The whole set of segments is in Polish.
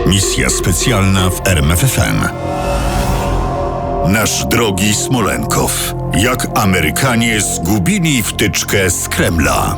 Misja specjalna w RMFFM. Nasz drogi Smolenkow. Jak Amerykanie zgubili wtyczkę z Kremla.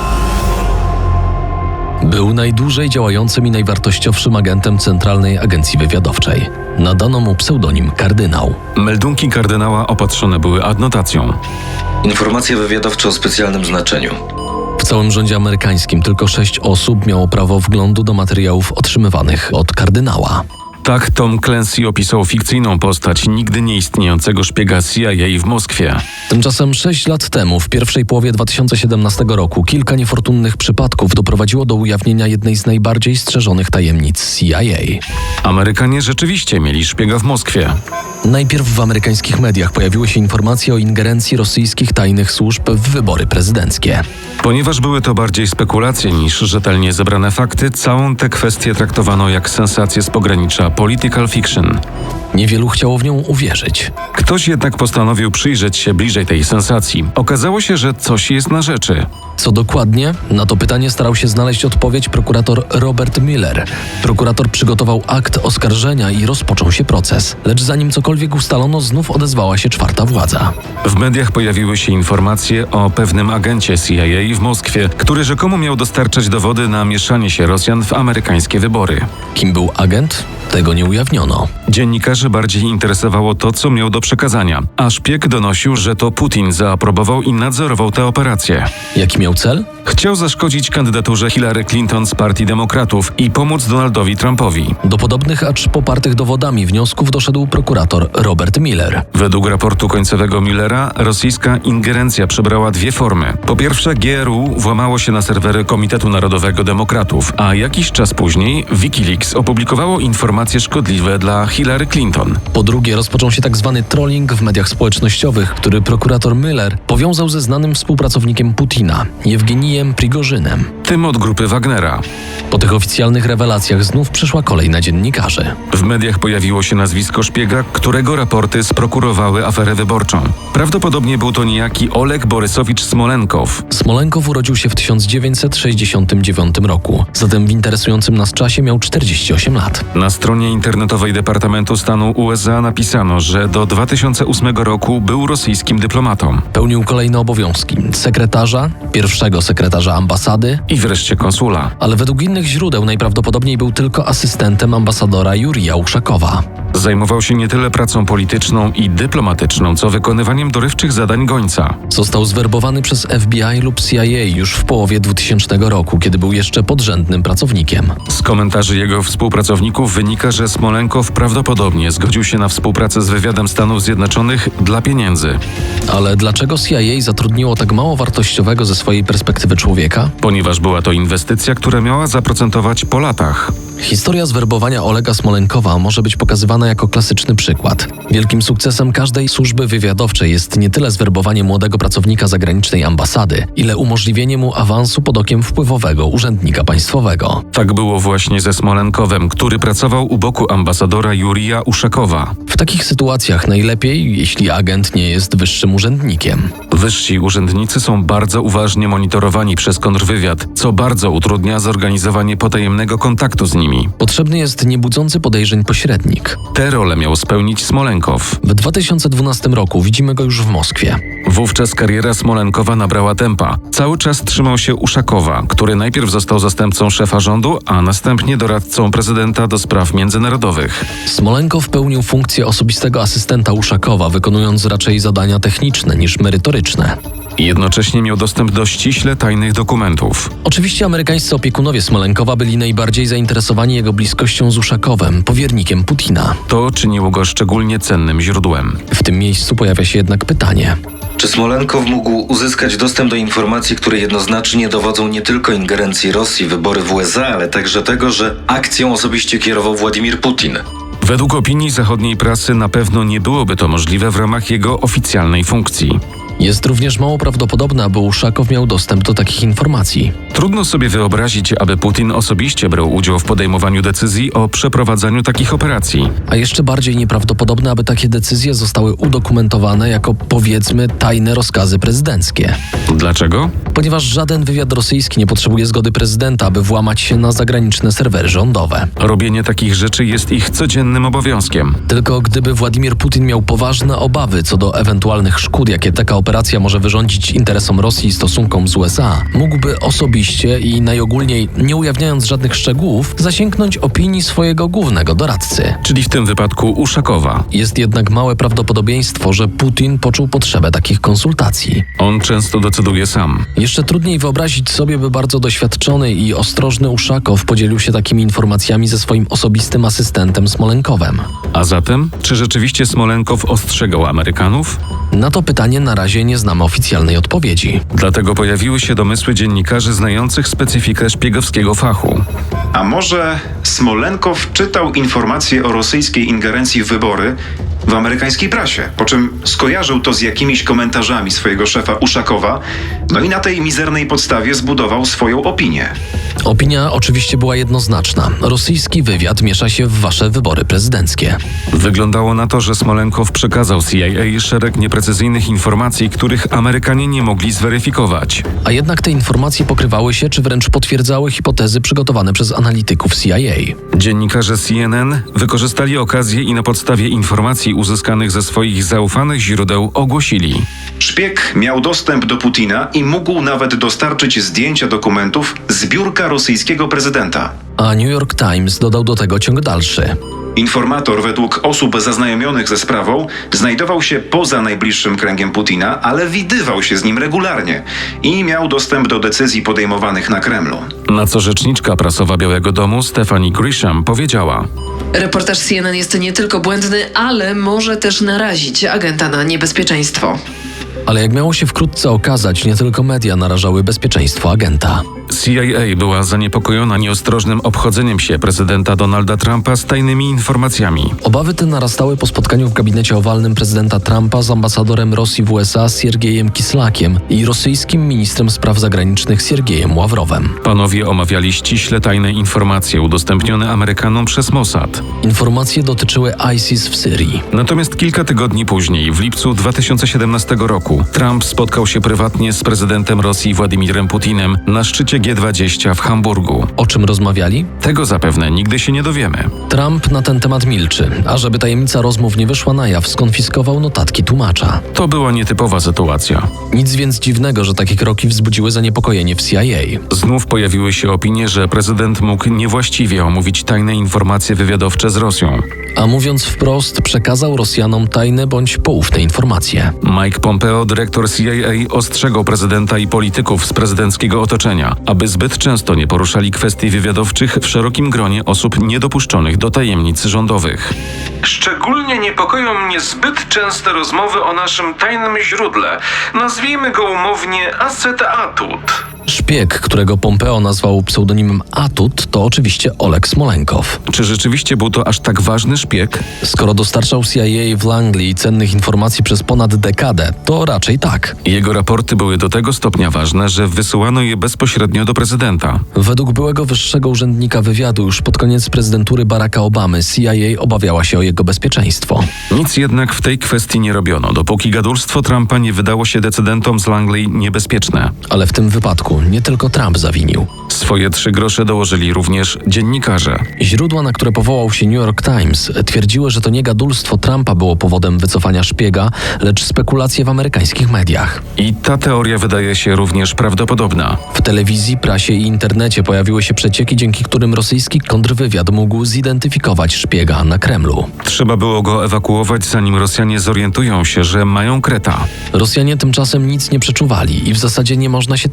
Był najdłużej działającym i najwartościowszym agentem Centralnej Agencji Wywiadowczej. Nadano mu pseudonim Kardynał. Meldunki kardynała opatrzone były adnotacją. Informacje wywiadowcze o specjalnym znaczeniu. W całym rządzie amerykańskim tylko 6 osób miało prawo wglądu do materiałów otrzymywanych od kardynała. Tak Tom Clancy opisał fikcyjną postać nigdy nieistniejącego szpiega CIA w Moskwie. Tymczasem 6 lat temu, w pierwszej połowie 2017 roku, kilka niefortunnych przypadków doprowadziło do ujawnienia jednej z najbardziej strzeżonych tajemnic CIA. Amerykanie rzeczywiście mieli szpiega w Moskwie. Najpierw w amerykańskich mediach pojawiły się informacje o ingerencji rosyjskich tajnych służb w wybory prezydenckie. Ponieważ były to bardziej spekulacje niż rzetelnie zebrane fakty, całą tę kwestię traktowano jak sensację z pogranicza political fiction. Niewielu chciało w nią uwierzyć. Ktoś jednak postanowił przyjrzeć się bliżej tej sensacji. Okazało się, że coś jest na rzeczy. Co dokładnie? Na to pytanie starał się znaleźć odpowiedź prokurator Robert Mueller. Prokurator przygotował akt oskarżenia i rozpoczął się proces. Lecz zanim cokolwiek ustalono, znów odezwała się czwarta władza. W mediach pojawiły się informacje o pewnym agencie CIA w Moskwie, który rzekomo miał dostarczać dowody na mieszanie się Rosjan w amerykańskie wybory. Kim był agent? Tego nie ujawniono. Dziennikarzy bardziej interesowało to, co miał do przekazania, a szpieg donosił, że to Putin zaaprobował i nadzorował tę operację. Jaki miał cel? Chciał zaszkodzić kandydaturze Hillary Clinton z Partii Demokratów i pomóc Donaldowi Trumpowi. Do podobnych, acz popartych dowodami wniosków doszedł prokurator Robert Mueller. Według raportu końcowego Muellera rosyjska ingerencja przybrała dwie formy. Po pierwsze, GRU włamało się na serwery Komitetu Narodowego Demokratów, a jakiś czas później Wikileaks opublikowało informacje szkodliwe dla Hillary Clinton. Po drugie, rozpoczął się tzw. trolling w mediach społecznościowych, który prokurator Mueller powiązał ze znanym współpracownikiem Putina, Jewgenijem Prigorzynem. Tym od grupy Wagnera. Po tych oficjalnych rewelacjach znów przyszła kolej na dziennikarzy. W mediach pojawiło się nazwisko szpiega, którego raporty sprokurowały aferę wyborczą. Prawdopodobnie był to niejaki Oleg Borysowicz Smolenkow. Smolenkow urodził się w 1969 roku, zatem w interesującym nas czasie miał 48 lat. Na stronie internetowej Departamentu Stanu USA napisano, że do 2008 roku był rosyjskim dyplomatą. Pełnił kolejne obowiązki sekretarza, pierwszego sekretarza ambasady I wreszcie konsula. ale według innych źródeł najprawdopodobniej był tylko asystentem ambasadora Jurija Uszakowa. Zajmował się nie tyle pracą polityczną i dyplomatyczną, co wykonywaniem dorywczych zadań gońca. Został zwerbowany przez FBI lub CIA już w połowie 2000 roku, kiedy był jeszcze podrzędnym pracownikiem. Z komentarzy jego współpracowników wynika, że Smolenkow prawdopodobnie zgodził się na współpracę z wywiadem Stanów Zjednoczonych dla pieniędzy. Ale dlaczego CIA zatrudniło tak mało wartościowego ze swojej perspektywy człowieka? Ponieważ była to inwestycja, która miała zaprocentować po latach. Historia zwerbowania Olega Smolenkowa może być pokazywana jako klasyczny przykład. Wielkim sukcesem każdej służby wywiadowczej jest nie tyle zwerbowanie młodego pracownika zagranicznej ambasady, ile umożliwienie mu awansu pod okiem wpływowego urzędnika państwowego. Tak było właśnie ze Smolenkowem, który pracował u boku ambasadora Jurija Uszakowa. W takich sytuacjach najlepiej, jeśli agent nie jest wyższym urzędnikiem. Wyżsi urzędnicy są bardzo uważnie monitorowani przez kontrwywiad, co bardzo utrudnia zorganizowanie potajemnego kontaktu z nimi. Potrzebny jest niebudzący podejrzeń pośrednik. Tę rolę miał spełnić Smolenkow. W 2012 roku widzimy go już w Moskwie. Wówczas kariera Smolenkowa nabrała tempa. Cały czas trzymał się Uszakowa, który najpierw został zastępcą szefa rządu, a następnie doradcą prezydenta do spraw międzynarodowych. Smolenkow pełnił funkcję osobistego asystenta Uszakowa, wykonując raczej zadania techniczne niż merytoryczne. Jednocześnie miał dostęp do ściśle tajnych dokumentów. Oczywiście amerykańscy opiekunowie Smolenkowa byli najbardziej zainteresowani jego bliskością z Uszakowem, powiernikiem Putina. To czyniło go szczególnie cennym źródłem. W tym miejscu pojawia się jednak pytanie. Czy Smolenkow mógł uzyskać dostęp do informacji, które jednoznacznie dowodzą nie tylko ingerencji Rosji w wybory w USA, ale także tego, że akcją osobiście kierował Władimir Putin? Według opinii zachodniej prasy na pewno nie byłoby to możliwe w ramach jego oficjalnej funkcji. Jest również mało prawdopodobne, aby Uszakow miał dostęp do takich informacji. Trudno sobie wyobrazić, aby Putin osobiście brał udział w podejmowaniu decyzji o przeprowadzaniu takich operacji. A jeszcze bardziej nieprawdopodobne, aby takie decyzje zostały udokumentowane jako, powiedzmy, tajne rozkazy prezydenckie. Dlaczego? Ponieważ żaden wywiad rosyjski nie potrzebuje zgody prezydenta, aby włamać się na zagraniczne serwery rządowe. Robienie takich rzeczy jest ich codziennym obowiązkiem. Tylko gdyby Władimir Putin miał poważne obawy co do ewentualnych szkód, jakie taka operacja może wyrządzić interesom Rosji i stosunkom z USA, mógłby osobiście i najogólniej, nie ujawniając żadnych szczegółów, zasięgnąć opinii swojego głównego doradcy. Czyli w tym wypadku Uszakowa. Jest jednak małe prawdopodobieństwo, że Putin poczuł potrzebę takich konsultacji. On często decyduje sam. Jeszcze trudniej wyobrazić sobie, by bardzo doświadczony i ostrożny Uszakow podzielił się takimi informacjami ze swoim osobistym asystentem Smolenkowem. A zatem, czy rzeczywiście Smolenkow ostrzegał Amerykanów? Na to pytanie na razie nie znamy oficjalnej odpowiedzi. Dlatego pojawiły się domysły dziennikarzy znających specyfikę szpiegowskiego fachu. A może Smolenkow czytał informacje o rosyjskiej ingerencji w wybory w amerykańskiej prasie, po czym skojarzył to z jakimiś komentarzami swojego szefa Uszakowa, no i na tej mizernej podstawie zbudował swoją opinię. Opinia oczywiście była jednoznaczna. Rosyjski wywiad miesza się w wasze wybory prezydenckie. Wyglądało na to, że Smolenkow przekazał CIA szereg nieprecyzyjnych informacji, których Amerykanie nie mogli zweryfikować. A jednak te informacje pokrywały się, czy wręcz potwierdzały hipotezy przygotowane przez analityków CIA. Dziennikarze CNN wykorzystali okazję i na podstawie informacji uzyskanych ze swoich zaufanych źródeł ogłosili: Szpieg miał dostęp do Putina i mógł nawet dostarczyć zdjęcia dokumentów z biurka rosyjskiego prezydenta. A New York Times dodał do tego ciąg dalszy. Informator według osób zaznajomionych ze sprawą znajdował się poza najbliższym kręgiem Putina, ale widywał się z nim regularnie i miał dostęp do decyzji podejmowanych na Kremlu. Na co rzeczniczka prasowa Białego Domu Stephanie Grisham powiedziała: Reportaż CNN jest nie tylko błędny, ale może też narazić agenta na niebezpieczeństwo. Ale jak miało się wkrótce okazać, nie tylko media narażały bezpieczeństwo agenta. CIA była zaniepokojona nieostrożnym obchodzeniem się prezydenta Donalda Trumpa z tajnymi informacjami. Obawy te narastały po spotkaniu w gabinecie owalnym prezydenta Trumpa z ambasadorem Rosji w USA Siergiejem Kislakiem i rosyjskim ministrem spraw zagranicznych Siergiejem Ławrowem. Panowie omawiali ściśle tajne informacje udostępnione Amerykanom przez Mossad. Informacje dotyczyły ISIS w Syrii. Natomiast kilka tygodni później, w lipcu 2017 roku, Trump spotkał się prywatnie z prezydentem Rosji Władimirem Putinem na szczycie G20 w Hamburgu. O czym rozmawiali? Tego zapewne nigdy się nie dowiemy. Trump na ten temat milczy, a żeby tajemnica rozmów nie wyszła na jaw, skonfiskował notatki tłumacza. To była nietypowa sytuacja. Nic więc dziwnego, że takie kroki wzbudziły zaniepokojenie w CIA. Znów pojawiły się opinie, że prezydent mógł niewłaściwie omówić tajne informacje wywiadowcze z Rosją. A mówiąc wprost, przekazał Rosjanom tajne bądź poufne informacje. Mike Pompeo, dyrektor CIA, ostrzegał prezydenta i polityków z prezydenckiego otoczenia, aby zbyt często nie poruszali kwestii wywiadowczych w szerokim gronie osób niedopuszczonych do tajemnic rządowych. Szczególnie niepokoją mnie zbyt częste rozmowy o naszym tajnym źródle. Nazwijmy go umownie Acet-Atut. Szpieg, którego Pompeo nazwał pseudonimem Atut, to oczywiście Oleg Smolenkow. Czy rzeczywiście był to aż tak ważny szpieg? Skoro dostarczał CIA w Langley cennych informacji przez ponad dekadę, to raczej tak. Jego raporty były do tego stopnia ważne, że wysyłano je bezpośrednio do prezydenta. Według byłego wyższego urzędnika wywiadu już pod koniec prezydentury Baracka Obamy CIA obawiała się o jego bezpieczeństwo. Nic jednak w tej kwestii nie robiono, dopóki gadulstwo Trumpa nie wydało się decydentom z Langley niebezpieczne. Ale w tym wypadku nie tylko Trump zawinił. Swoje 3 grosze dołożyli również dziennikarze. Źródła, na które powołał się New York Times, twierdziły, że to nie gadulstwo Trumpa było powodem wycofania szpiega, lecz spekulacje w amerykańskich mediach. I ta teoria wydaje się również prawdopodobna. W telewizji, prasie i internecie pojawiły się przecieki, dzięki którym rosyjski kontrwywiad mógł zidentyfikować szpiega na Kremlu. Trzeba było go ewakuować, zanim Rosjanie zorientują się, że mają kreta. Rosjanie tymczasem nic nie przeczuwali i w zasadzie nie można się temu dziwić.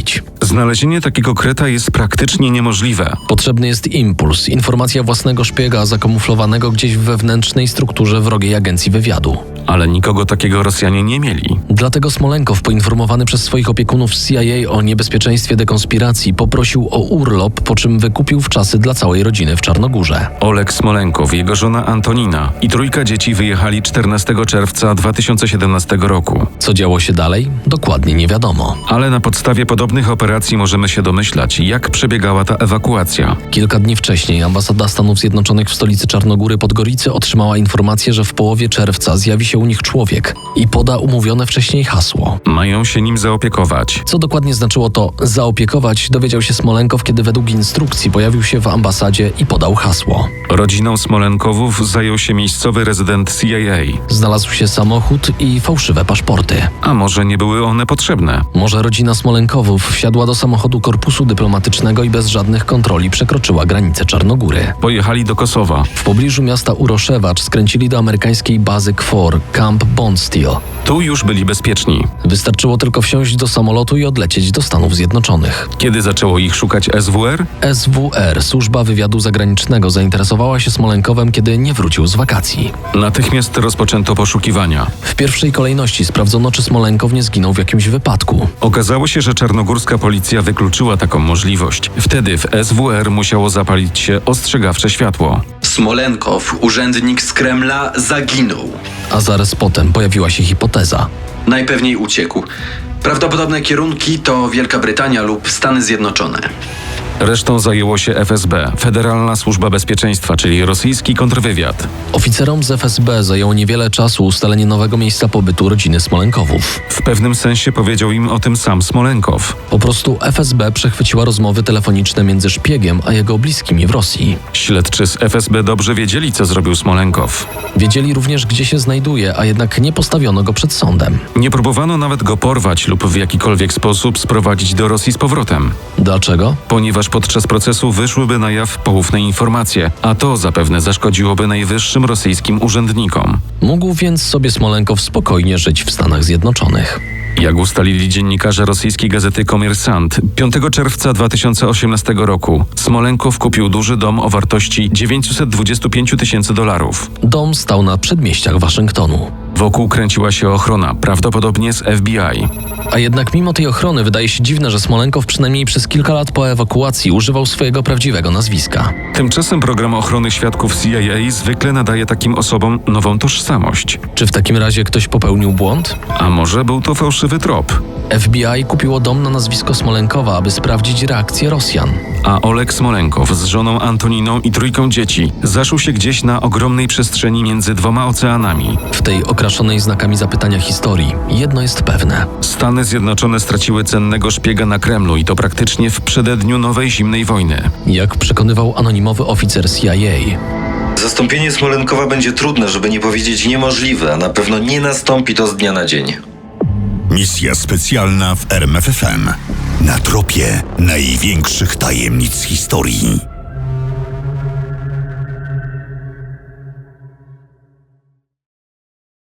zrobić. Znalezienie takiego kreta jest praktycznie niemożliwe. Potrzebny jest impuls, informacja własnego szpiega zakamuflowanego gdzieś w wewnętrznej strukturze wrogiej agencji wywiadu. Ale nikogo takiego Rosjanie nie mieli. Dlatego Smolenkow, poinformowany przez swoich opiekunów z CIA o niebezpieczeństwie dekonspiracji, poprosił o urlop, po czym wykupił wczasy dla całej rodziny w Czarnogórze. Oleg Smolenkow, jego żona Antonina i 3 dzieci wyjechali 14 czerwca 2017 roku. Co działo się dalej? Dokładnie nie wiadomo. Ale na podstawie podobnych operacji możemy się domyślać, jak przebiegała ta ewakuacja. Kilka dni wcześniej ambasada Stanów Zjednoczonych w stolicy Czarnogóry Podgoricy otrzymała informację, że w połowie czerwca zjawi się u nich człowiek i poda umówione wcześniej hasło. Mają się nim zaopiekować. Co dokładnie znaczyło to zaopiekować, dowiedział się Smolenkow, kiedy według instrukcji pojawił się w ambasadzie i podał hasło. Rodziną Smolenkowów zajął się miejscowy rezydent CIA. Znalazł się samochód i fałszywe paszporty. A może nie były one potrzebne? Może rodzina Smolenkowów wsiadła do samochodu korpusu dyplomatycznego i bez żadnych kontroli przekroczyła granicę Czarnogóry. Pojechali do Kosowa. W pobliżu miasta Uroszewacz skręcili do amerykańskiej bazy KFOR, Camp Bondsteel. Tu już byli bezpieczni. Wystarczyło tylko wsiąść do samolotu i odlecieć do Stanów Zjednoczonych. Kiedy zaczęło ich szukać SWR? SWR, Służba Wywiadu Zagranicznego, zainteresowała się Smolenkowem, kiedy nie wrócił z wakacji. Natychmiast rozpoczęto poszukiwania. W pierwszej kolejności sprawdzono, czy Smolenkow nie zginął w jakimś wypadku. Okazało się, że czarnogórska policja wykluczyła taką możliwość. Wtedy w SWR musiało zapalić się ostrzegawcze światło. Smolenkow, urzędnik z Kremla, zaginął. A zaraz potem pojawiła się hipoteza. Najpewniej uciekł. Prawdopodobne kierunki to Wielka Brytania lub Stany Zjednoczone. Resztą zajęło się FSB, Federalna Służba Bezpieczeństwa, czyli rosyjski kontrwywiad. Oficerom z FSB zajęło niewiele czasu ustalenie nowego miejsca pobytu rodziny Smolenkowów. W pewnym sensie powiedział im o tym sam Smolenkow. Po prostu FSB przechwyciła rozmowy telefoniczne między szpiegiem a jego bliskimi w Rosji. Śledczy z FSB dobrze wiedzieli, co zrobił Smolenkow. Wiedzieli również, gdzie się znajduje, a jednak nie postawiono go przed sądem. Nie próbowano nawet go porwać lub w jakikolwiek sposób sprowadzić do Rosji z powrotem. Dlaczego? Ponieważ podczas procesu wyszłyby na jaw poufne informacje, a to zapewne zaszkodziłoby najwyższym rosyjskim urzędnikom. Mógł więc sobie Smolenkow spokojnie żyć w Stanach Zjednoczonych. Jak ustalili dziennikarze rosyjskiej gazety Komersant, 5 czerwca 2018 roku Smolenkow kupił duży dom o wartości $925 000. Dom stał na przedmieściach Waszyngtonu. Wokół kręciła się ochrona, prawdopodobnie z FBI. A jednak mimo tej ochrony wydaje się dziwne, że Smolenkow przynajmniej przez kilka lat po ewakuacji używał swojego prawdziwego nazwiska. Tymczasem program ochrony świadków CIA zwykle nadaje takim osobom nową tożsamość. Czy w takim razie ktoś popełnił błąd? A może był to fałszywy trop? FBI kupiło dom na nazwisko Smolenkowa, aby sprawdzić reakcję Rosjan. A Oleg Smolenkow z żoną Antoniną i 3 dzieci zaszył się gdzieś na ogromnej przestrzeni między 2 oceanami. W tej okraszonej znakami zapytania historii jedno jest pewne. Stany Zjednoczone straciły cennego szpiega na Kremlu i to praktycznie w przededniu nowej zimnej wojny. Jak przekonywał anonimowy oficer CIA. Zastąpienie Smolenkowa będzie trudne, żeby nie powiedzieć niemożliwe, a na pewno nie nastąpi to z dnia na dzień. Misja specjalna w RMFFM. Na tropie największych tajemnic historii.